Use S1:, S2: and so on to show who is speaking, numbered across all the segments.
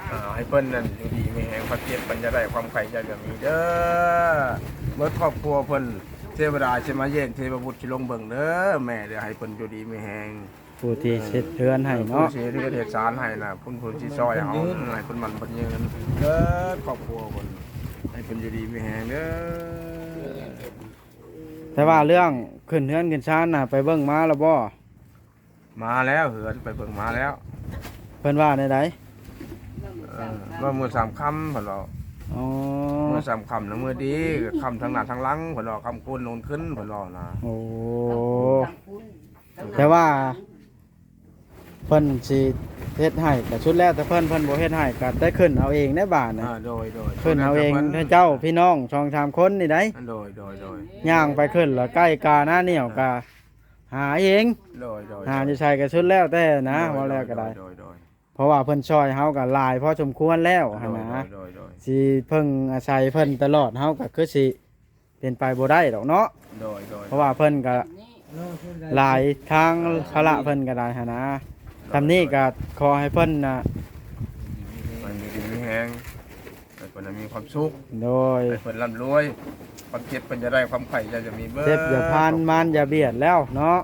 S1: ให้เพิ่นนั่นอยู่ดีมีแห่งพระเกียรติเพิ่นจะได้ความไข่จะมีเด้อเมื่อครอบครัวเพิ่นเทวดาสิมาเยี่ยมเทวบุตรสิลงเบิ่งเด้อแม่เด้อให้เพิ่นอยู่ดีมีแห่ง
S2: ผู้ที่เฮ็ดเรือนให้เนาะ
S1: ผู้ที่เฮ็ดสารให้น่ะเพิ่นสิซอยเฮาให้เพิ่นมันเพิ่นยืนเด้อครอบครัวเพิ่นให้เพิ่นอยู่ดีมีแห่งเด้อ
S2: แต่ว่าเรื่องขึ้นเรือนขึ้นศาลน่ะไปเบิ่งมาแล้วบ่
S1: มาแล้วเหือนไปเบิ่งมาแล้ว
S2: เพิ่นว่าในใด
S1: ว่ามื้อ3ค่ำเพิ่นว่า
S2: อ๋อ
S1: มื้อ3ค่ำแล้วมื้อดีค่ำทั้งหน้าทั้งหลังเพิ่นว่าค่ำโกนโนนขึ้นเพิ่นว่านะ
S2: โอ้แต่ว่าเพิ่นสิเฮ็ดให้ก็ชุดแรกแต่เพิ่นบ่เฮ็ดให้ก็ได้ขึ้นเอาเองในบ้านน่ะ
S1: โดย
S2: ขึ้นเอาเองเจ้าพี่น้อง2-3คนนี่ได้
S1: โดย
S2: ย่างไปขึ้นแล้วใกล้กาหน้าเหนียวก็หาเองหาอยู่ใส่ก็ชุดแล้วแต่นะว่าแล้วก็ได้เพราะว่าเพิ่นช่วยเฮาก็หลายพอสมควรแล้วหั่นนะสิเพิ่งอาศัยเพิ่นตลอดเฮาก็คือสิเป็นไปบ่ได้ดอกเนาะเพราะว่าเพิ่นก็หลายทางภาระเพิ่นก็ได้หั่นนะทำนี้ก็ขอให้เพิ่นน่ะ
S1: มันมีแฮงให้เพิ่นมีความสุข
S2: โดย
S1: ให้เพิ่นร่ำรวยความเจ็บเพิ่นจะได้ความไข่จะมีเบิด
S2: เจ็บอย่าพานมานอย่าเบียดแล้วเนาะ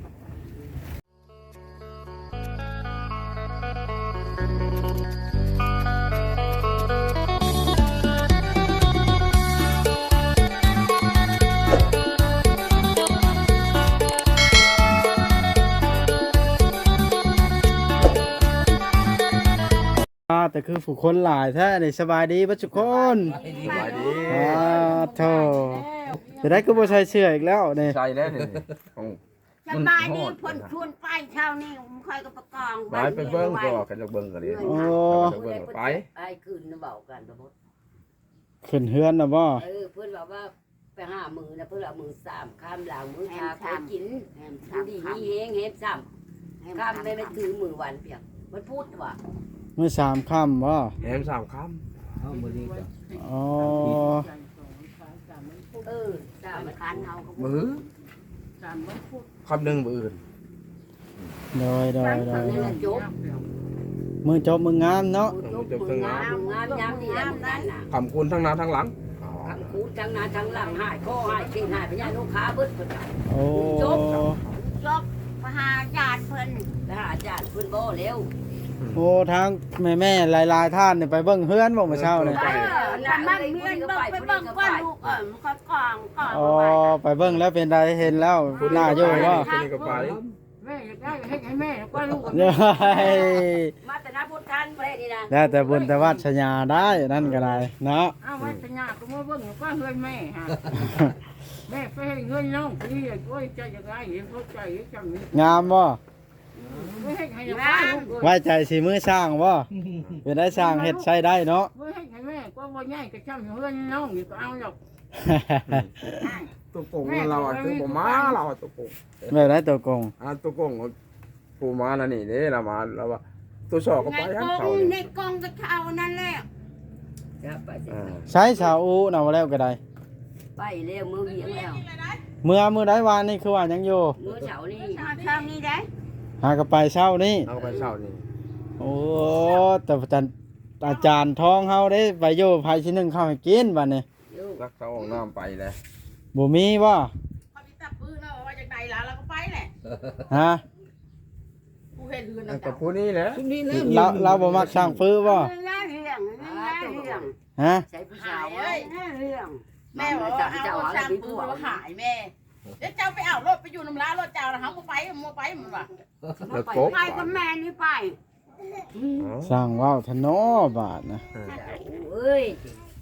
S2: แต่คือผู้คนหลายแท้นี่สบายดีบ่ทุกคน
S1: สบายดี
S2: โธ่จะได้ก็บ่ใส่เสื้ออีกแล้วนี่
S1: ใส่แล้วนี่
S3: สบายดีเพิ่นชวนไปเช้านี้ค่อยก็ประกอง
S1: ไปเบิ่งก็กันจะเบิ่งกันดิ
S2: โอ้
S1: ไป
S3: คืนน่ะเว้ากันบ่หมด
S2: ขึ้นเฮือนน่ะบ่
S3: เพิ่นว่าไปหามื้อน่ะเพิ่นเอามื้อ3ค่ำหลังมื้อชาไปกินดีมีแฮงเฮ็ดซ้ำค่ำไม่ถือมื้อวันเพียงมันพูดว่า
S2: มื้อ3ค่ำบ่
S1: แหม3ค่ำ
S4: เฮามื้อนี้ก็
S2: อ๋อ
S3: 3มันคันเฮาก็
S1: มื้อ
S3: 3มันพูด
S1: คำนึงมื้ออื่น
S2: โดย
S3: จบ
S2: มื้อจบมื้องามเนาะ
S1: จบทั้งงาม
S3: ยามดีแล้วนั่นน่ะ
S1: คำคุณทั้งหน้าทั้งหลัง
S3: คำคูณทั้งหน้าทั้งหลังหายข้อหายเก่งหายพญาลูกค้าเบิดเพิ่น
S2: โอ้
S3: จบมาหาญาติเพิ่นไปหาญาติเพิ่นบ่เร็ว
S2: โอ้ทางแม่หลายๆท่านนี่ไปเบิ่งเฮือนบ่มื้อเช้านี่
S3: มันเมียนเบิ่งไปเบิ่งก่อนลูกมันก็กองก่อน
S2: อ๋อไปเบิ่งแล้วเป็นไดเห็นแล้วหน้าอยู่ว่า
S1: คนนี้ก็ไป
S3: แม่อยากได้ให้แม่ก็ลูกมาแต่นาพุทธันประเทศนี้นะ
S2: แล้วแต่บุญแต่วาสนาได้นั่นก็ได้เนาะ
S3: เอาวาสนาก็มาเบิ่งก็เฮือนแม่ฮะแม่ไปให้เงินน้องพี่โอ้ยใจจะได้เห็นเขาใจจังนี้
S2: งามบ่ไว้ใจสิมือสร้างบ่เป็นได้สร้างเฮ็ดใช้ได้เนาะ
S3: ให้แม่ก็บ่ง่ายก็ช่างเฮือนน้องนี่ก็เอาหรอก
S1: ตัวโกงเราคือบ่มาเราตัวโกง
S2: แบบไหนตัวโกง
S1: ตัวโกงปูมาแล้วนี่เด้เรามาเราว่าตัวสอกก็ไปทั้งเขา
S3: ในกองก็เขานั่นแหละ
S2: ใช้ชาวอูน่ะว่าแล้วก็ได้
S3: ไปแล้วมือเหียงแล้ว
S2: มื้อใดวานนี่คือว่ายังอยู่
S3: มื้อเช้านี้ได้
S2: หากไปเช้านี่
S1: เอาไปเช้านี่
S2: โอ้แต่อาจารย์ท้องเฮาได้ไปอยู่ไผสินึงเข้าให้กินบัดนี้
S1: รักเขาออกน้ำไปแล้ว
S2: บ่มีบ่
S3: เขาสิตับปืนแล้วว่าจากใดล่ะแล้วก็ไปแหละ
S2: ฮะ
S3: ผู้เฮ็ดเรือนน่ะ
S1: กับผู้นี้แหละ
S2: เราบ่มักสร้างฟื้อบ่ฮะ
S3: ใส่ผู้ชายเอ้ยเรื่องแม่บอกว่าเอาสร้างปืนมาขายแม่เจ้าไปเอารถไปอยู่น้ำร้านรถเจ้าแล้วเขาก็ไปมัวไปมันว่ะไปกับแม่นี่ไป
S2: สร้างว้าวทนอบาทนะ
S3: เอ้ย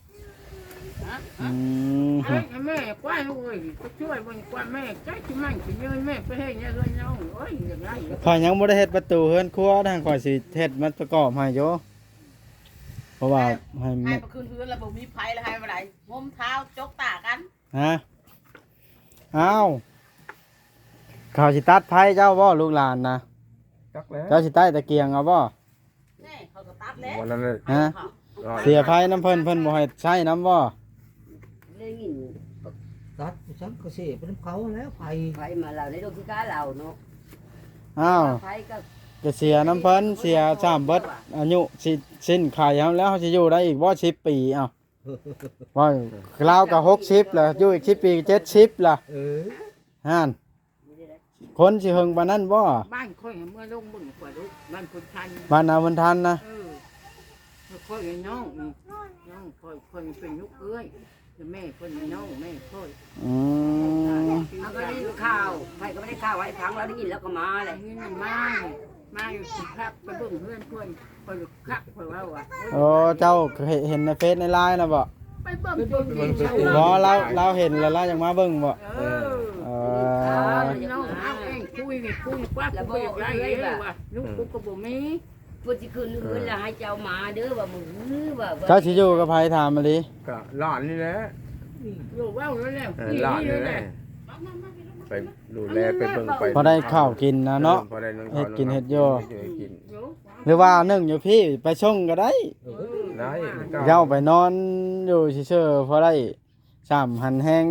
S2: แม่
S3: กว้านเลยก็ช่วยมันกว้านแม่ใจที่มันที่เงินแม่ไปให้เนี่ยเงินน้องเอ้ยอย่างไร
S2: ข่อยยังบ่ได้เฮ็ดประตูเฮือนครัวทางข่อยสิเฮ็ดมันประกอบให้อยู่เพราะว่า
S3: ให้มาคืนเฮือนแล้วบ่มีไผแล้วให้บ่ได้งมเท้าจกตากัน
S2: ฮะอ้าวเขาสิตัดไผเจ้าบ่ลูกหลานนะเจ้าสิใต้ตะเกียงเอาบ่
S3: นี่เขาก็ตัดแล้ว
S2: ฮะเสียไผน้ำเพิ่นบ่ให้ใช้น้ำบ่
S3: ได้ยิน
S4: ตัดฉันก็สิเป็นเขาแล้วไผ
S3: มาเราได้ดูที่กาเราเนาะ
S2: อ้าว
S3: ไผก็
S2: จะเสียน้ำเพิ่นเสีย3เบิดอายุสิสิ้นไขเฮาแล้วเฮาสิอยู่ได้อีกบ่10ปีเอ้าว่าลาวก็60แล้วอยู่อีก10ปี70ล่ะ ห่านคนสิเฮิงปานนั้นบ่
S3: บ้านค่อยเมื่อลงบึงกว่าลูกบ้านคนทัน
S2: บ้านนาวันทันนะ
S3: ค่อยน้องค่อยเป็นลูกเอ้ยแม่คนน้องแม่ค่อย
S2: อืม
S5: เอาก็ได้ข่าวใครก็ไม่ได้ข่าวไว้พังเราได้ยินแล้วก็มาเลย
S3: นี่น่ะมาอยู่สิครับไปเบิ่งเพื่อนค่อยคักค่อยว่า
S2: โอ้เจ้าเห็นในเฟซในไลน์นะบ่
S3: ไปเบิ่งตัวจริง
S2: บ่เราเห็นแล้วเรายังมาเบิ่งบ่เออ
S3: น้องเอาเองคุยกว่าแล้วบ่ได้เลยว่าลูกกูก็บ่มี
S5: พูดที่คืนเงินแล้วให้เจ้ามาเด้อว่ามึงว่า
S2: เจ้าสิอยู่กับไผถามมาดิ
S1: ก็หลานนี่แหละ
S3: อยู่ว้าวแล้ว
S1: หลานนี่แหละไปดูแลไปเบิ่งไป
S2: พอได้ข้าวกินนะเนาะ
S1: พอได้งิ
S2: เฮ็ดกินเฮ็ดโย
S1: กิน
S2: หรือว่านึ่งอยู่พี่ไปส่งก็ได้
S1: ได้
S2: เจ้าไปนอนอยู่เฉยๆพอได้3หันแห้ง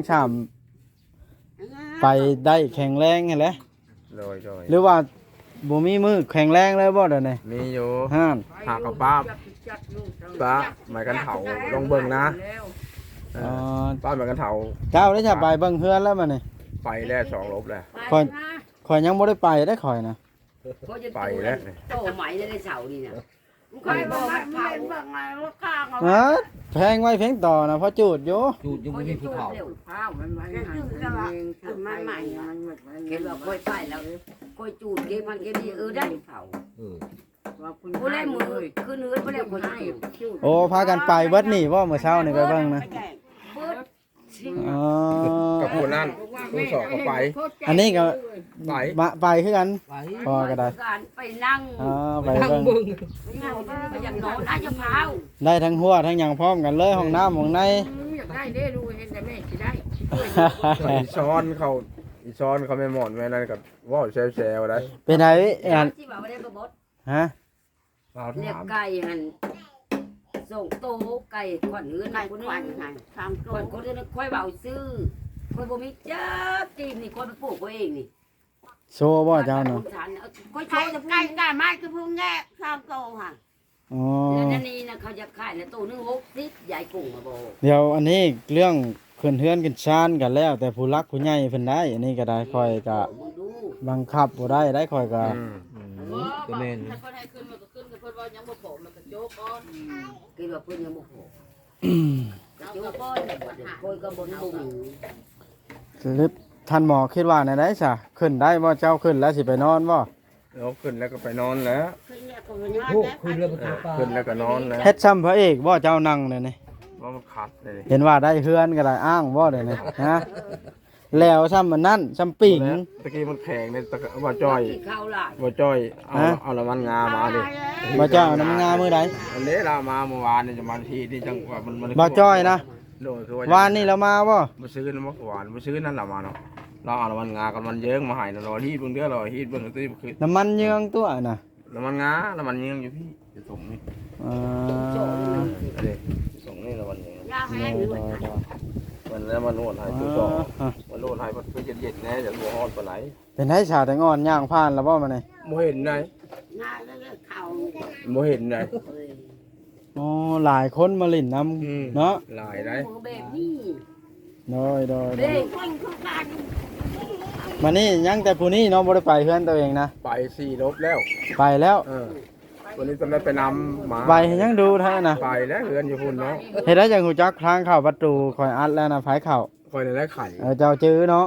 S2: 3ไปได้แข็งแรงหั่นแหละ
S1: โดย
S2: หรือว่าบ่มีมือแข็งแรงเลยบ่เดี๋ยวนี้
S1: มีอยู่
S2: ห่าน
S1: หากกับป้าหมายกันเถาลงเบิ่งนะ
S2: อ๋อ
S1: ป้าหมายกันเถา
S2: เจ้าได้จะไปเบิ่งเฮือนแล้วมานี่
S1: ไปแล้ว2 ลบแล้ว
S2: ข่อยยังบ่ได้ไปได้ข่อยนะ
S1: ไปแล้ว
S5: โตใหม่ในเสานี่นะ
S3: ค่อยบอกว่าเผาว่าไงว่าข้างเอา
S2: ฮะแพงไว้เพียงต่อนะเพอจูดอยู่
S4: จูดยังไม่มีภูเขา
S3: ข้าวมันไว้ให้คือมันใหม่มันหมด
S5: เห็นว่าค่อยไปแล้วค่อยจูดเก็บมันเก็บนี่ได้เผา
S3: ว่าคุณ
S5: ผู้เล่นมือคือเนื้อผู้เล่นคนให้
S2: โอ้พากันไปเบิดนี่บ่เมื่อเช้านี่ไปเบิ่งนะ
S5: เบิด
S2: อ๋อ
S1: กับผู้นั่นผู้สอบก็ไป
S2: อันนี้ก็
S1: ไป
S2: มาไปคือกัน
S4: ไป
S2: พอก็ได้
S5: การไปนั่ง
S2: อ๋อไป
S4: นั่ง
S2: เบิ่ง
S4: เบิ่ง
S5: ไปอย่างนอนน่าจะเผา
S2: ได้ทั้งหัวทั้งหยังพร้อมกันเลยห้องน้ำห้องใน
S3: อยากได้ได้ดูเห็นแต่แม่สิได้
S1: อีช้อนเขาไม่หมอนแม่นั่นกับว่าแซวๆได้
S2: เป็นไงอัน
S5: ที่ว่าไม่ได้กระบด
S2: ฮะ
S1: เรา
S5: เรียก
S1: ถาม
S5: ไก่หันส่งโตไก่ขวัญเงิน
S3: ไก่
S5: คน
S3: ควั
S5: นึ
S3: น
S5: ง
S3: ไงทำ
S5: ค
S3: ตัวน
S5: คนนึงค่อยเบาซื้อคนบ่มีจ้าจีนนี่คนไปปลูกเองนี่
S2: โชว์บ่เจ้าเนาะ
S5: ค่อยโช
S3: ไก่
S5: ว์จะพู
S3: ไก่
S5: ด
S3: ไก่ไม้คือพุ่งแง่ทำโตค่ะ
S2: อ๋อ
S5: แล้วนั่นนี่นะเขาจะขายแล้วตัวนึง60ใหญ่กุ้งมาบ่
S2: เดี๋ยวอันนี้เรื่องขึ้นเฮือนขึ้นชานกันแล้ว แต่ผู้รักผู้ใหญ่เพิ่นได้อันนี้ก็ได้ค่อยก็
S5: มึงดู
S2: บังคับบ่ได้ค่อยก็
S4: ก็แม่น
S3: ถ้าคนให้ขึ้นมันก็ขึ้นแต่คนว่ายังบ่พอมันก็โจกก่อน
S5: กินว่าเพิ่นยังบ่พอโยก้อนคอยก็บ่บุ้ง
S2: หรือท่านหมอคิดว่าในได้ซะขึ้นได้บ่เจ้าขึ้นแล้วสิไปนอนบ่
S1: เราขึ้นแล้วก็ไปนอนแล้ว
S3: ขึ้นเนี่ยก็มันยอด
S4: โอ้
S3: แล้ว
S4: คืนเรือประตูปลา
S1: ขึ้นแล้วก็นอนแล้ว
S2: เฮ็ดซ้ำพระเอกบ่เจ้านั่งเนี่ยนี่
S1: ว่ามันขัดเลย
S2: เห็นว่าได้เฮือนก็ได้อ้างบ่ได้นี่ฮะแล้วซ้ำมันนั่นซ้ำปิ่ง
S1: ตะกี้มันแข็งเนี่ยตะว่าจ้อย
S5: ข้าวหลาย
S1: ว่าจ้อยเอาละมันงามาดิ
S2: บ่เจ้าน้ำงามื้อใด
S1: อันนี้เรามาเมื่อวานนี่จะมาทีนี่จังว่ามัน
S2: บ่จ้อยนะ
S1: โดยคือ
S2: วานนี้เรามาบ่
S1: มาซื้อน้ำมันหวานมาซื้อนั่นละมาเนาะเราเอาละมันงากับมันเยิ้งมาให้เราฮีดเบิ่งเด้อเราฮีดเบิ่งตื้อคือ
S2: น้ำมันเยืองตัวน่ะ
S1: ละมันงาละมันเยิ้งอยู่พี่จะส่งนี่
S2: อ่า
S1: อันนี้ส่งนี่ละมันเยิ้ง
S3: ยาแห้งด้วย
S1: มันแล้วมันนวดให้ตัวต่อมันนวดให้มันเย็นๆแน่จะรัวฮอดปานไหน
S2: เป็นให้ชาแต่งอนย่างผ่านแล้วบ่มานี่
S1: บ่เห็นไหน
S3: งาแล้วก็เข่า
S1: บ่เห็นไหน
S2: อ๋อหลายคนมาลิ้นน้ำเนาะ
S1: หลายได้
S5: มือแบบนี้
S2: โดย
S5: เด้ง
S3: คนคือการ
S2: มานี่ยังแต่ผู้นี้เนาะบ่ได้ไปเฮือนตัวเองนะ
S1: ไป4 ลบแล้ว
S2: ไปแล้ว
S1: วันนี้ต้องได้ไปนำหมา
S2: ไปให้ยังดูเท่านั้นนะ
S1: ไปแล้วเฮือนอยู่พุ่นเนาะ
S2: เฮ็ดได้จังหูจักทางเข้าประตูคอยอัดแล้วนะไผเข้า
S1: คอยได้ไข่
S2: เจ้าจื้อเนาะ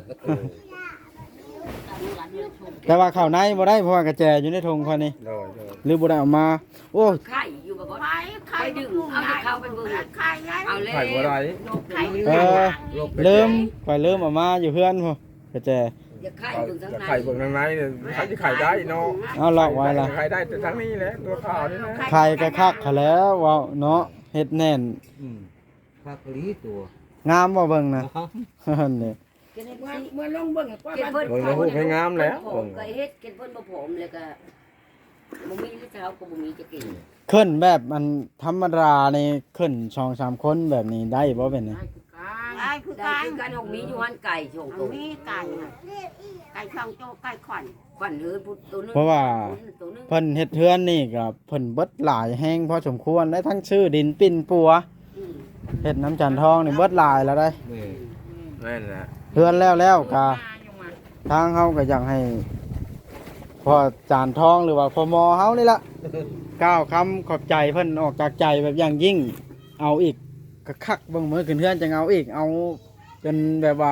S2: แต่ว่าเข้าในบ่ได้เพราะว่ากระแจอยู่ในธงคอยนี่
S1: โดย
S2: หรือบ่ได้เออกมา โอ้
S5: ไข่อยู่แบบว่า
S3: ไข่ไข่ดึงเอาไข่ไง
S5: เอาเลย
S1: ไข่บ่ได้
S3: ไข่
S2: เออลืมข่อยลืมเออกมาอยู่เฮือนพุ่นกระแจ
S5: อย่าไข่ถึงทั้งใน
S1: ไข่เบิ่งทางในเนี่ยใครจะไข่ได้เนาะ
S2: เอาล็อกไว้ล่ะ
S1: ไข่ได้แต่ทางนี้แหละตัวขาวนี่นะ
S2: ไข่ก็คักเขาแล้วเว้าเนาะเฮ็ดแน่น
S4: ภาคลีตัว
S2: งามบ่เบิ่งนะนี่
S3: เมื่อลงเบิ่งก็
S5: เก็บ
S3: มัน
S5: เพิ่น
S1: เบิ่งแล้วฮู้ให้งามแล้ว
S5: ผมก็เฮ็ดเก็บเพิ่นบ่ผมแล้วก็บ่มีหรือเช้าก็บ่มีจะกิน
S2: ขึ้นแบบมันธรรมดานี่ขึ้น2-3คนแบบนี้ได้บ่เป็นนี่
S3: ไอ้
S5: คือการของมีอยู่หันไก่โชงตัวมีไก่ไก่ช่องโตไก่ขวัญเฮือนตัวนึง
S2: เพราะว่าเพิ่นเฮ็ดเฮือนนี่ก็เพิ่นเบิดหลายแฮงพอสมควรได้ทั้งชื่อดินปิ่นปัวเฮ็ดน้ำจันทองนี่เบิดหลายแล้วได้
S4: แม่
S1: แม่นแหละ
S2: เฮือนแล้วก็ทางเฮาก็อยากให้พอจานทองหรือว่าพอมอเฮานี่ล่ะก้าวคำขอบใจเพิ่นออกจากใจแบบอย่างยิ่งเอาอีกก็คักเบิ่งมื้อขึ้นเฮือนจังเอาอีกเอาจนแบบว่า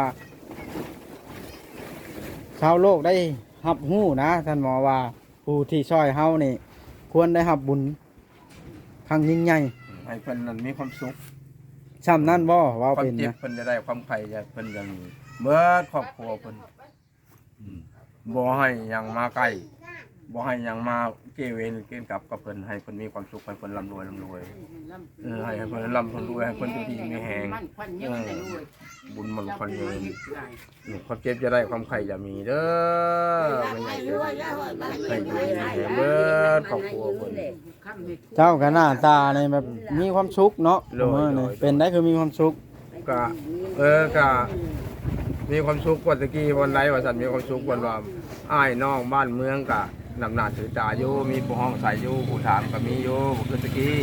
S2: ชาวโลกได้รับรู้นะท่านหมอว่าผู้ที่ช่วยเฮานี่ควรได้รับบุญครั้งยิ่งใหญ่
S1: ให้เพิ่นนั้นมีความสุข
S2: ซ้ำนั่นบ่ว่า
S1: ความ
S2: เป็น
S1: เจ็บ
S2: นะ
S1: เพิ่นจะได้ความไข่จะเพิ่นจะมีเมื่อครอบครัวเพิ่นบ่ให้หยังมาใกล้บ่ให้หยังมาเกเวนเกณฑ์กับเพิ่นให้เพิ่นมีความสุขให้เพิ่นร่ำรวยให้เพิ่นร่ำเพิ่นรวยให้เพิ่นอยู่ดีมีแฮงบุญมันคนยืนความเจ็บจะได้ความไข่จะมีเด้อไม่ใช่เด้อให้อยู่ดีมีแฮงเบิดครอบครัวเพิ่น
S2: เจ้าก็หน้าตาในแบบมีความสุขเนาะ
S1: โดย
S2: มื้อ
S1: โด
S2: นี่
S1: ย
S2: เป็นได้คือมีความสุข
S1: ก็ก็มีความสุขกว่าตะกี้วันไรว่าสันมีความสุขวันว่าอ้ายน้องบ้านเมืองก็นำหน้าถือตาอยู่มีผู้ห้องใส่อยู่ผู้ถามก็มีอยู่บ่คือตะกี้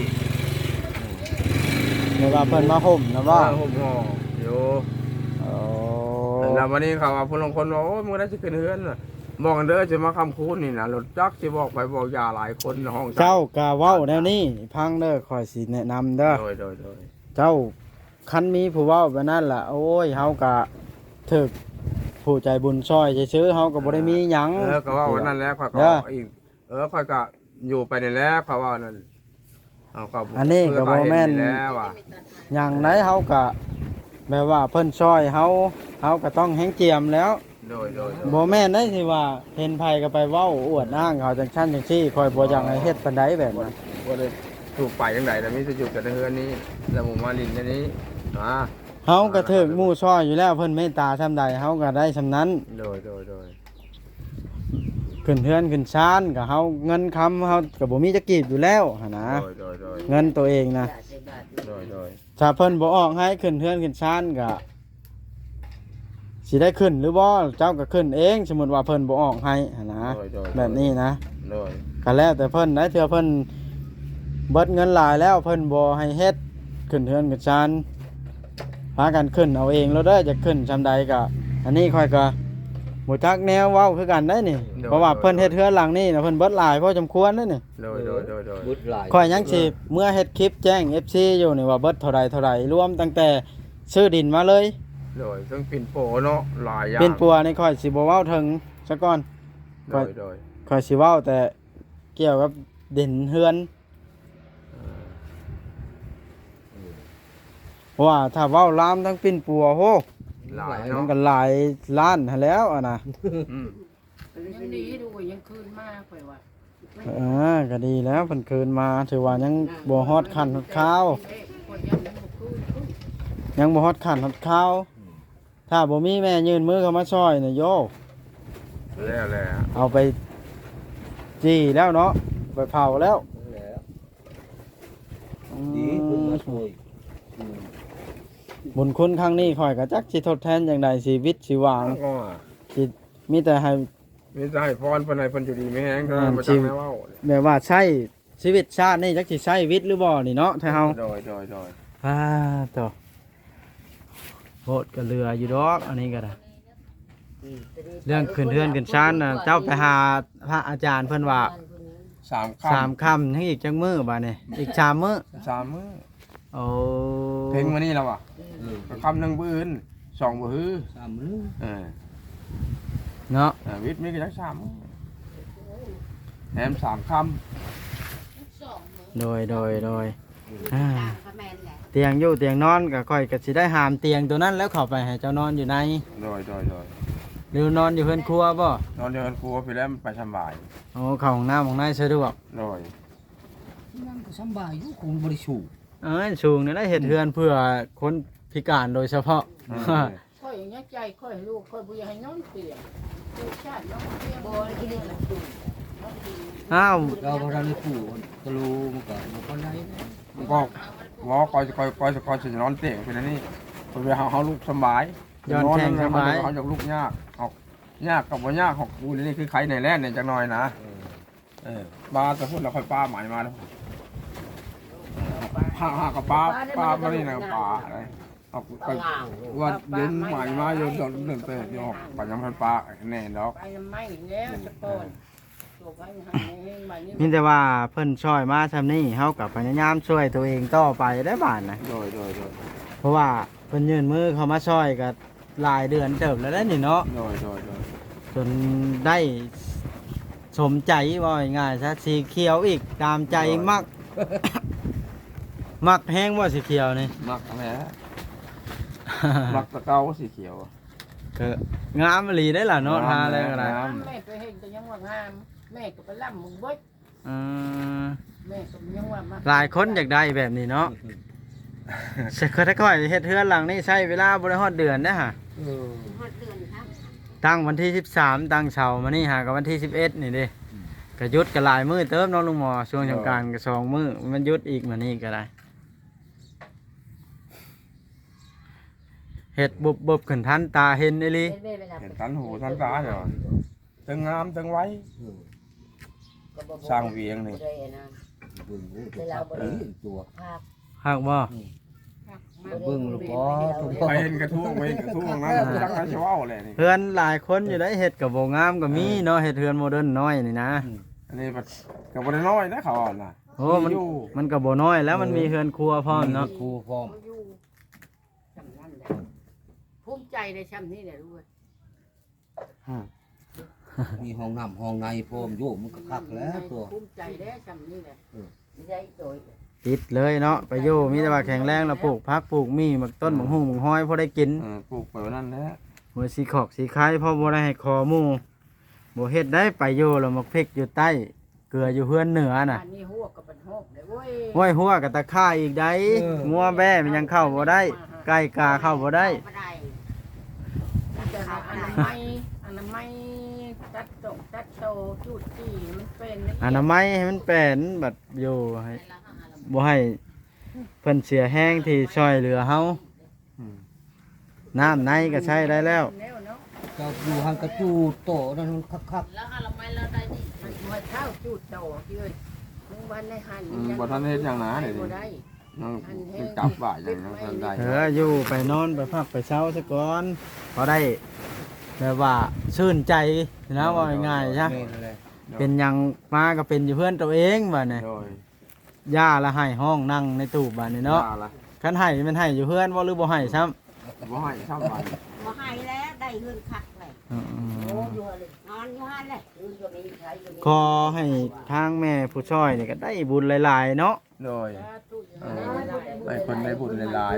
S2: เวลาเพิ่นมาห่มนะว่า
S1: ห่มห่ออยู่
S2: โอ้
S1: แล้ววันนี้เขาว่าผู้ลางคนว่าโอ้ยมึงได้สิขึ้นเฮือนน่ะบอกกันเด้อสิมาคำคูณนี่นะรถจักรสิบอกไปบอกยาหลายคนในห้อง
S2: เจ้าก็เว้าแนวนี้พังเด้อข่อยสิแนะนำเด้อ
S1: โดย
S2: เจ้าคันมีผู้เว้าแบบนั้นล่ะโอ้ยเฮาก็ถึกผู้ใจบุญช่วยซื่อๆเฮาก็บ่ได้มีหยัง
S1: ก็ว่าวันนั้นแหล้วข้อยก็อีกข้อยก็อยู่ไปนี่แหล้วเขาว่านั่นเอาก็
S2: อันนี้ก็บ่แม่น
S1: แล้วว่ะ
S2: หยังไหนเฮาก็แบบว่าเพิ่นช่วยเฮาก็ต้องแฮงเจียมแล้ว
S1: โดย
S2: บ่แม่นได้ที่ว่าเห็นไผก็ไปเว้าอวดอ้างเขาจังซั่นจังซี่ข่อยบ่อยากให้เฮ็ดปานใดแบบนั้น
S1: ว่าเลยถูกไปยังไงแต่ไม่จะอยู่กับเฮือนนี้แล้วหมู่มาลินอันนี้อ่า
S2: เฮาก็ถึกหมู่ช่วยอยู่แล้วเพิ่นเมตตาซำใดเฮาก็ได้ซำนั้น
S1: โดย
S2: ขึ้นเฮือนขึ้นชานก็เฮาเงินคำเฮาก็บ่มีจะกีบอยู่แล้วหั่นนะ
S1: โดย
S2: เงินตัวเองนะ
S1: โดย
S2: ถ้าเพิ่นบ่ออกให้ขึ้นเฮือนขึ้นชานก็สิได้ขึ้นหรือบ่เจ้าก็ขึ้นเองสมมุติว่าเพิ่นบ่ออกให้หั่นนะแบบนี้นะ
S1: โดย
S2: ก็แล้วแต่เพิ่นนะเทื่อเพิ่นเบิดเงินหลายแล้วเพิ่นบ่ให้เฮ็ดขึ้นเฮือนขึ้นชานพากันขึ้นเอาเองแล้วเด้อจะขึ้นซำใดก็อันนี้ค่อยก็บ่จักแนวเว้าคือกันได้นี่เพราะว่าเพิ่นเฮ็ดเฮือนหลังนี้นะเพิ่นเบิดหลายพอสมควรเด้นี่
S1: โดย
S4: บุดหลาย
S2: ข่อยยังสิเมื่อเฮ็ดคลิปแจ้ง FC อยู่นี่ว่าเบิดเท่าใดรวมตั้งแต่ซื้อดินมาเลย
S1: โดยซึ่งปิ่นโปเนาะหลายอย่าง
S2: เป็นปัวนี่ข่อยสิบ่เว้าถึงซะก่อน
S1: โดย
S2: ข่อยสิเว้าแต่เกี่ยวกับดินเฮือนเพราะว่าถ้าเว้าลามทั้งปิ่นปัวโห
S1: หลาย
S2: มั
S1: เนาะ
S2: นก็หลายล้านหั้นแล้วอ่ะนะ
S3: ยังดีดูยังคืนมากไปว่ะ
S2: ก็ดีแล้วเพิ่นคืนมาถือว่ายังบ่ฮอดขั้นฮอดข้าว
S3: คนยังไม่คืน
S2: ยังบ่ฮอดขั้นฮอดข้าวถ้าบ่มีแม่ยืนมือเข้ามาช่วยนี่โย
S1: แล้ว
S2: เอาไปจี้แล้วเนาะไปเผาแล้ว
S4: แล้วดีคุณมาช่วย
S2: บุญคุณครั้งนี้ข่อยก็จักสิทดแทนอย่างใดชีวิตชีวาง
S1: ก็
S2: สิมีแต่ให้
S1: มีใจพรเพิ่นให้เพิ่นอยู่ดีไม่แห้งเท่านั้นบ่จังแม่เว้า
S2: แบบว่าใช้ชีวิตชาตินี่จักสิใช้วิตหรือบ่นี่เนาะถ้าเฮา
S1: โดย
S2: ต่อโหดก็เรืออยู่ดอกอันนี้ก็ได้เรื่องขึ้นเฮือนขึ้นศาลน่ะเจ้าไปหาพระอาจารย์เพิ่นว่า
S1: 3
S2: 3 ค่ำทั้งอีกจังมื้อบัดนี้อีก3มื้อ
S1: 3มื้อ
S2: โอ้
S1: เพลงมื้อนี้แล้วอ่ะก็คำนึงมื้ออื่น2บ่ฮือ
S4: 3 มื้อ
S2: เนาะ
S1: วิทย์มีก็จัก3มื้อแถม3คำ
S2: โดยอ่าเตียงอยู่เตียงนอนก็ค่อยก็สิได้หามเตียงตัวนั้นแล้วเข้าไปให้เจ้านอนอยู่ใน
S1: โดย
S2: หรือนอนอยู่เฮือนครัวบ่
S1: นอนเดียวกันครัวไปแล้วมันไปสบาย
S2: โอ้เข้าห้องน้ำของนายสะดวก
S1: โดย
S4: นั่นก็สำบายอยู่คงบ่ได้สูบ
S2: สูงนี่ได้เฮ็ดเฮือนเพื่อคนพิการโดยเฉพาะ
S3: ค่อยอย่างนี้ใจค่อยลูกค่อยบุญให้น้องเตียงลูกชาติน้องเตียง
S5: โบนกินเลย
S2: อ้าว
S4: เราบ่ทันได้ปู่ก็รู้มันก็บ่ปานใดนะ
S1: ก็วอคอยจะนอนเตียงเป็นอันนี้ตัวเฮาลูกสบาย
S2: ย้อนแข้งสบาย
S1: เฮาจากลูกยากออกยากกับบ่ยากของกูนี่คือไข่ในแล่นเนี่ยจักหน่อยนะปลาแต่พุ่นเราค่อยปลาหมายมาแล้วหากับปลามานี่นะปลาอะไรออกไปว่าเดินหมายมาอยู่เดินเตะอยู่ไปยังพันปลาแน่ดอก
S3: ไปไม่แล้วจะโกนตัวไปหาเองมานี่
S2: มีแต่ว่าเพิ่นช่วยมาซำนี้เฮาก็พยายามช่วยตัวเองต่อไปได้บาดนะ
S1: โดย
S2: เพราะว่าเพิ่นยื่นมือเข้ามาช่วยก็หลายเดือนเติบแล้วได้นี่เนาะ
S1: โดย
S2: จนได้สมใจว่าง่ายๆซะสีเขียวอีกตามใจมัก มักแห้งว่าสีเขียวนี่
S1: มักอะไรฮะมักตะเกาสีเขียว
S2: ก็งามอีหลีได้ล่ะเนาะทาอะไรก็ได้
S3: แม่ไปเห็นแต่ยังว่างามแม่ก็ไปล่ำมึงเบิด
S2: อืม
S3: แม่ก็ยังว่ามา
S2: หลายคนอยากได้แบบนี้เนาะเคยถ้าค่อยเฮ็ดเฮือนหลังนี้ใช้เวลาบ่ได้ฮอดเดือนนะฮะ
S5: ฮอดเดือนครับ
S2: ตั้งวันที่13ตั้งเสาร์มานี่หากับวันที่11นี่เด้ก็หยุดก็หลายมื้อเติมเนาะลุงหมอช่วงสงกรานต์ก็2มื้อมันหยุดอีกมานี่ก็ได้เฮ็ดบุบขึ้นทันตาเห็นอีหลี
S1: เห็นทันหูทันตาเนาะตึงงามตึงไว้สร้างเวียงนี่
S4: เบิ่งโอ้ตัวคักอีตัว
S2: ฮักบ่
S4: เบิ่งลูกบ่ทุก
S1: ไปเห็นกระทุ่งไปเห็นกระทุ่งนั้นจักไอ้ชาวเลยนี่
S2: เฮือนหลายคนอยู่ได้เฮ็ดก็บ่งามก็มีเนาะเฮ็ดเฮือนโมเดิร์นน้อยนี่นะ
S1: อันนี้ก็บ่ได้น้อยนะเขาอ่ะนะ
S2: โอ้มันก็บ่น้อยแล้วมันมีเฮือนครัวพร้อมเนาะ
S4: ครูพร้อม
S3: อยู่จำนั่นแหละภูมิใจในช้ำนี้แหละด้วย
S4: มีห้องน้ำห้องในพร้อมอยู่มันก็คักแล้วตัว
S3: ภูมิใจได้ช้ำนี้แหละ
S5: ได้โดย
S2: ติดเลยเนาะไปอยู่มีแต่ว่าแข็งแรงแล้วปลูกผักปลูกมีมักต้นมักหุ่งมักห้อยพอได้กิน
S1: ปลูกไปนั่นแหละ
S2: หัวสีขอกสีคายพอบ่ได้ให้คอหมู่บ่เฮ็ดได้ไปอยู่แล้วมักพริกอยู่ใต้เกลืออยู่เฮือนเหนือน่ะ
S3: อันนี้หัวกับเป็นหกเลยเว้ย
S2: ห้วยหัวกับตะข่ายอีกได้งัวแบ่มันยังเข้าบ่ได้ไก่กาเข้าบ่ได้
S5: บ่ได้
S3: แต่อนามัยตัดโตจุดที่มันเป็น
S2: อนามัยให้มันเป็นบัดอยู่ให้บ่ให้เพิ่นเสียแห้งที่ช่วยเหลือเฮาน้ำในก็ใช้ได้แล้ว
S3: แล้วเนาะ
S4: เจ้าอยู่หันกระจูโตนั่นมันคัก
S3: แล้วอนามัยเราได้ดิมันมาเท้าจุดโตที่เอ้ยมึงบ้านในหัน
S1: บ่ทันเฮ็ดหยังนะเดี๋ยว
S3: บ่
S1: นี้
S3: ได้
S1: ยังจับบ่าอย่างนั้นทันได้
S2: อยู่ไปนอนไปพักไปเช้าซะก่อนพอได้แบบว่าชื่นใจนะว่าง่ายๆใช่
S4: แม่นเลย
S2: เป็นหยังมาก็เป็นอยู่เพื่อนตัวเองบัดนี้
S1: โดย
S2: ย่าละให้ห้องนั่งในตู้บัดนี้เนาะ
S1: ละ
S2: คันให้มันให้อยู่เพื่อนบ่หรือบ่ให้ซ้ำ
S1: บ่ให้ซ้ำไป
S5: บ่ให้แล้วได้เฮือนคักเลย
S2: อืม
S5: อยู่เลยนอนอยู่หั่นเลยอยู่ก็มีใครอยู่นี่
S2: ขอให้ทางแม่ผู้ช่วยนี่ก็ได้บุญหลายๆเนาะ
S1: โดยได้คนได้บุญหลาย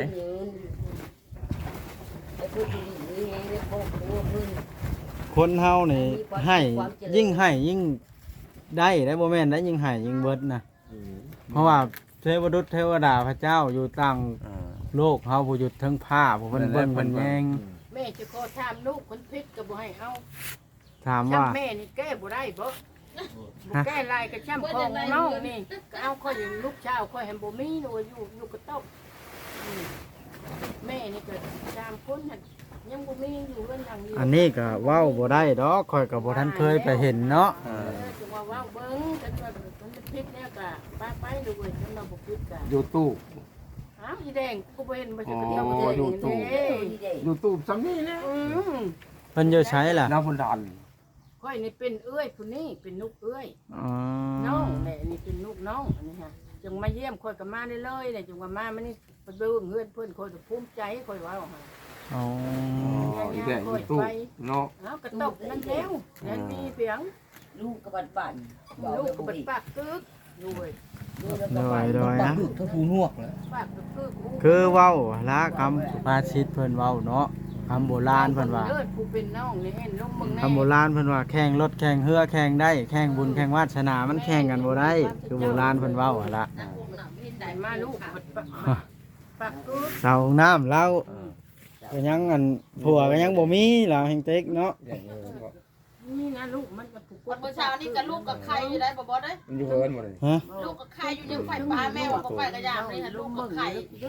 S5: ไอ้ผู้ที่นี่ไอ้พวกตัวมึง
S2: คนเฮานี่ให้ยิ่งให้ยิ่งได้บ่แม่นได้ยิ่งให้ยิ่งเบิดนะเพราะว่าเทวดาเทวดาพระเจ้าอยู่ต่าง
S1: ๆ
S2: โลกเฮาผู้อยู่เทั้งผ้าผู้เพิ่นเบิ่งเพิ่นแยง
S3: แม่จะขอถามลูกคนพิษก็บ่ให้เอา
S2: ถามว่า
S3: ช้ำแม่นี่แก้บ่ได้บ่บ่แก้ลายก็ช้ำของน้องนี่ก็เอาค่อยอย่างลูกชาวค่อยแฮมบ่มีหนูอยู่ก็ต้องแม่นี่ก็3คนน่ะยังบ่มีอยู่เรื่องหยังอยู่
S2: อันนี้ก็เว้าบ่ได้ดอกข่อยก็บ่ทันเคยไปเห็นเนาะ
S3: จังว่าเบิ่งกันว่ามันพิษเนี่ยก็ไปดูเว้ยจังว่าบ่พิษก็
S1: ยูทูบ
S3: อ้าวอีแดงกูบ่เห็นบ่ใช่
S1: อ๋
S3: ก็
S1: อ
S3: เดียวบ่
S1: อยู่
S3: ได้
S1: ตู้
S3: เด้
S1: ยูทูบซ้ำนี่นะ
S2: เพิ่นอยู่ใช้ล่ะ
S1: น้าบุญดัน
S3: ค่อยนี่เป็นเอ้ยผู้นี้เป็นนุกเอ้ย
S2: อ๋อ
S3: น้องแม่นี่เป็นลูกน้องอันนี้ฮะจึงมาเยี่ยมค่อยก็มาได้เลยเนี่ยจึงว่ามามันนี่ไปเบิ่งเฮือนเพิ่นค่อยก็ภูมิใจค่อยว่าเอาให้
S2: อ๋อ
S1: อีแดงยูทูบเนาะ
S3: เอากระตกนั่นแล้วนั่นมีเพียง
S5: ลูกกับบ้าน
S3: ลูกก็เป็นปากกึกด้วย
S2: โดยโดย
S4: ปัก
S2: นะ
S4: ลึกทั้งผู้นวกเลย
S3: ปากกึก
S2: คือเว้าละคำสุภาษิตเพิ่นเว้าเนาะคำโบราณเพิ่นว่า
S3: เลิศผู้เป็นน้องนี่เห็นลมมึงแน่
S2: คำโบราณเพิ่นว่าแข่งรถแข่งเรือแข่งได้แข่งบุญแข่งวาสนามันแข่งกันบ่ได้คือโบราณเพิ่นเว้าหั่นล่ะ
S3: ได้มาลูกปากกึก
S2: เสาน้ำเราก็ยังอันผัวก็ยังบ่มีเราแห่งเต็กเนาะ
S3: นี่นะลูกมันก็ผูก
S6: วันเช้านี่กับลูกกับใครอยู่ได้บ่บ่ได้
S1: มันอยู่เฮิร์นหมดเลย
S2: ฮะ
S6: ลูกกับใครอยู่ยังไฟฟ้าแม่ว่าบ่ไปกระยามนี่ฮะลูกกับใคร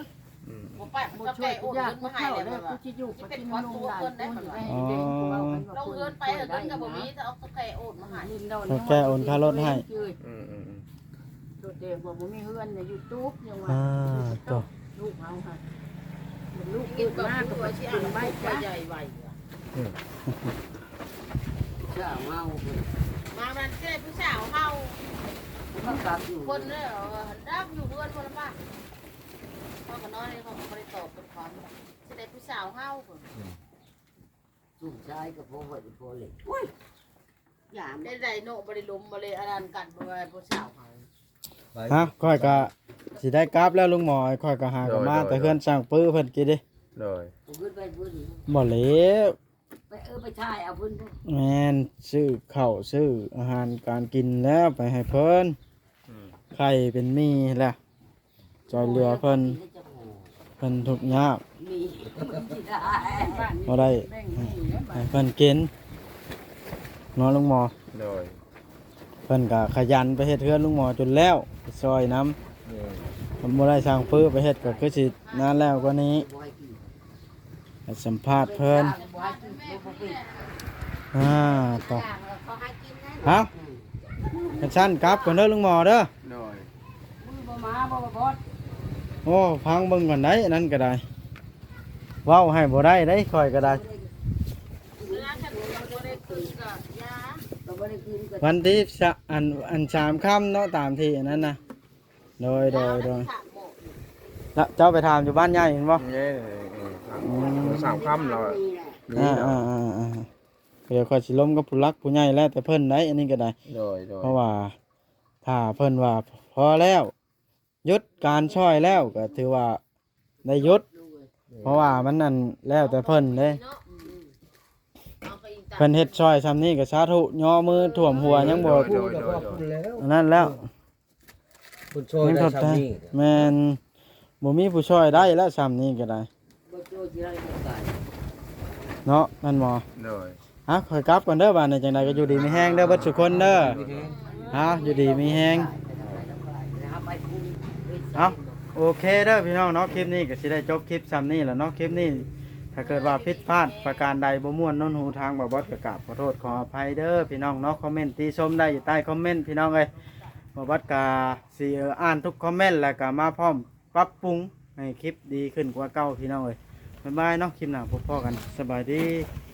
S6: บ่ไปมัน
S3: บ่
S6: ก็
S3: ช่ว
S6: แก่
S3: ย
S6: โอน
S3: ยาก
S6: เงิน
S3: บ่
S6: มาให้
S3: เข้า
S6: เลย
S3: แล้ว
S6: ว่า
S3: กูสิอยู่ปฏิบัติลงหลานกูนี่ให้เด็กกูเอากันว่า
S6: เราเงินไปเงินก็บ่มีถ้าเอาแก่โอนมาให้
S3: ลินดอน
S2: เขาแก้โอนค่ารถให้
S3: โดดเดี่ยวบ่มีเฮือนใน YouTube ยังว่า
S2: ตัว
S3: ลูกเอาค่ะลูกเกิดมาก็บ่สิอ่านใบจ้ะ
S6: ใหญ่ไว้
S5: เชื่อเมา
S6: มามันแค่ผู้สาวเฮา
S5: เขากลับอยู่
S6: คนเนี่ยรับอยู่เพื่อนคนละบ้านพ่อกับน้องนี่เขาไม่ได้ตอบเป็นความแสดงผู้สาวเฮา
S5: สุดท้ายก็พอไว้พอเลยโอ้ยอย่า
S6: ได้ได้โนบริลุมบริอารันกันบริผู้สาวเฮา
S2: ฮะค่อยก็สิได้กราฟแล้วลุงหมอค่อยก็หากันมาแต่เพื่อนสร้างปื้อเพิ่นกินดิ
S1: เลย
S5: ขึ้นไปพื้น
S2: บ่เหลว
S5: ไปไปถ่ายเอาพื้น
S2: แม่นซื้อข้าวซื้ออาหารการกินแล้วไปให้เพิ่นไข่เป็นมีแหละจอยเรือเพิ่นทุกข์ยาก
S5: มีที่ได้
S2: บ่ได้
S3: แบ่งให้แล้วบั
S2: ให้
S3: ด
S2: เพิ่นกินเนาะลุงหมอ
S1: เลย
S2: เพิ่นก็ขยันไปเฮ็ดเฮือนลุงหมอจนแล้วไปซอยน้ำผมบ่ได้สร้างปื้อไปเฮ็ดก็คือสินานแล้วกว่านี้ให้สัมภาษณ์เพิ่นต่อ
S6: เขาให้กินนะ
S2: เอ้ากันชั้นกลับก่อนเด้อลุงหมอเด้อ
S1: เลย
S3: มือบ่มาบ่บอด
S2: โอ้พังเบิ่งก่อนได้อันนั้นก็ได้เว้าให้บ่ได้ได้ค่อยก็ได้
S6: เวลาฉันเราบ่ได้คืนกับยา
S5: เราไม่ได้คืนกัน
S2: วันที่อัน3ค่ำเนาะตามที่อันนั้นน่ะโดย
S6: ถามบอก
S2: แล้วเจ้าไปถามอยู่บ้านใหญ่เห็นบ่
S1: เนี่ยสามค่ำเรา
S2: เดี๋ยวค่อยสิล้มกับผู้รักผู้ใหญ่แล้วแต่เพิ่นได้อันนี้ก็ได้
S1: เลยเลย
S2: เพราะว่าถ้าเพิ่นว่าพอแล้วหยุดการช่อยแล้วก็ถือว่าได้หยุด เพราะว่ามันนั่นแล้วแต่เพิ่นเด้
S6: เนาะเอาไปอีก
S2: เพิ่นเฮ็ดช่อยซ้ำนี้ก็สาธุย่อมือท่วมหัวยังบ่
S4: พูดแต่ว่าพูดแล้ว
S2: อันนั้นแล้ว
S4: คุณช่วยได้ชาวนี้
S2: แม่นบ่มีผู้ช่วยได้แล้วซ้ำนี้ก็ได้
S5: บ่โจที่ไรก็ตาย
S2: เนาะนั่นหมอ
S1: เลย
S2: ฮะขอยกลับก่อนเด้อบ้านนี้จังไดก็อยู่ดีมีแฮงเด้อเบิดทุกคนเด้อฮะอยู่ดีมีแฮง
S5: ไปคุ้ม
S2: เอ้าโอเคเด้อพี่น้องเนาะคลิปนี้ก็สิได้จบคลิปซ้ำนี้แหละเนาะคลิปนี้ถ้าเกิดว่าผิดพลาดประการใดบ่ม่วนโน้นหูทางบ่บอสก็กราบขอโทษขออภัยเด้อพี่น้องเนาะคอมเมนต์ติชมได้อยู่ใต้คอมเมนต์พี่น้องเอ้ยบ่บอสก็สิอ่านทุกคอมเมนต์แล้วก็มาพร้อมปรับปรุงให้คลิปดีขึ้นกว่าเก่าพี่น้องเอ้ยบ๊ายบายเนาะคลิปหน้าพบกันสบายดี